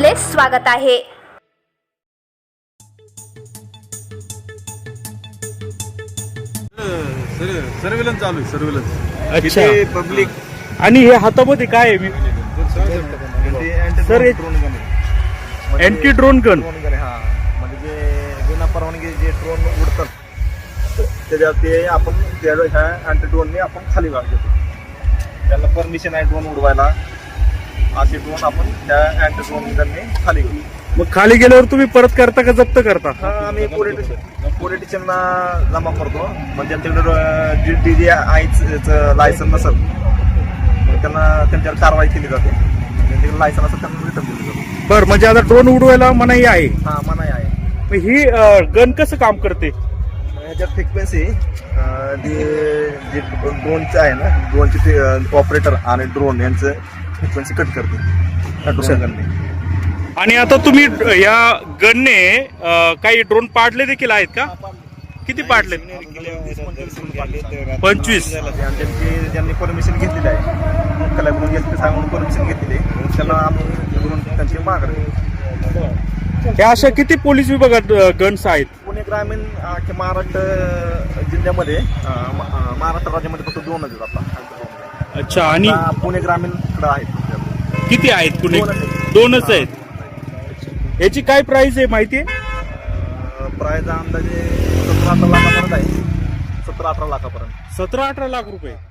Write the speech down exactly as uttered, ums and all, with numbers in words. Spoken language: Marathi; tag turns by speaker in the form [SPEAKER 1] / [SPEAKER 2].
[SPEAKER 1] आपले स्वागत आहे।
[SPEAKER 2] सर्वेलन्स चालू आहे, सर्वेलन्स
[SPEAKER 3] अच्छा
[SPEAKER 2] पब्लिक
[SPEAKER 3] आणि हे हातामध्ये काय आहे सर? अँटी ड्रोन गन
[SPEAKER 2] हा म्हणजे जे बिना परवानगी जे ड्रोन उडतात त्याच्या ते आपण त्या ह्या अँटी ड्रोनने आपण खाली घेतो। त्याला परमिशन आहे ड्रोन उडवायला, असे ड्रोन आपण त्या अँटी ड्रोन गनने खाली घेतो।
[SPEAKER 3] मग खाली गेल्यावर तुम्ही परत करता का जप्त करता?
[SPEAKER 2] हा आम्ही पोलिटिशियन पोलिटिशियनला जमा करतो, मग त्यांच्याकडे जी डी जी आयचं लायसन नसेल त्यांना त्यांच्यावर कारवाई केली जाते, त्यांच्याकडे लायसन असेल त्यांना रिटर्न दिलं जातं।
[SPEAKER 3] बरं, म्हणजे आता ड्रोन उडवायला मनाई आहे?
[SPEAKER 2] हा मनाई आहे।
[SPEAKER 3] मग ही गन कसं काम करते?
[SPEAKER 2] ह्याच्यात फ्रिक्वेन्सी जे ड्रोनचं आहे ना, ड्रोनचे ऑपरेटर आणि ड्रोन यांचं फ्रिक्वेन्सी कट करते ड्रोन गनने।
[SPEAKER 3] आणि आता तुम्ही या गनने काही ड्रोन पाडले देखील आहेत का? किती पाडले? पंचवीस।
[SPEAKER 2] त्यांची ज्यांनी परमिशन घेतलेली आहे, कलाकडून घेतली सांगून परमिशन घेतलेली आहे त्यांना आपण ड्रोन त्यांची मागणी।
[SPEAKER 3] ह्या अशा किती पोलीस विभागात गन्स आहेत?
[SPEAKER 2] पुणे ग्रामीण अख्ख्या महाराष्ट्र जिल्ह्यामध्ये महाराष्ट्र राज्यामध्ये फक्त दोनच आहेत आता।
[SPEAKER 3] अच्छा, आणि
[SPEAKER 2] पुणे ग्रामीण कडे आहेत।
[SPEAKER 3] किती आहेत? पुणे दोनच आहेत। याची काय प्राइस आहे माहिती आहे?
[SPEAKER 2] प्राइस अंदाजे सतरा अठरा लाखापर्यंत आहे, सतरा अठरा लाखापर्यंत
[SPEAKER 3] सतरा अठरा लाख रुपये।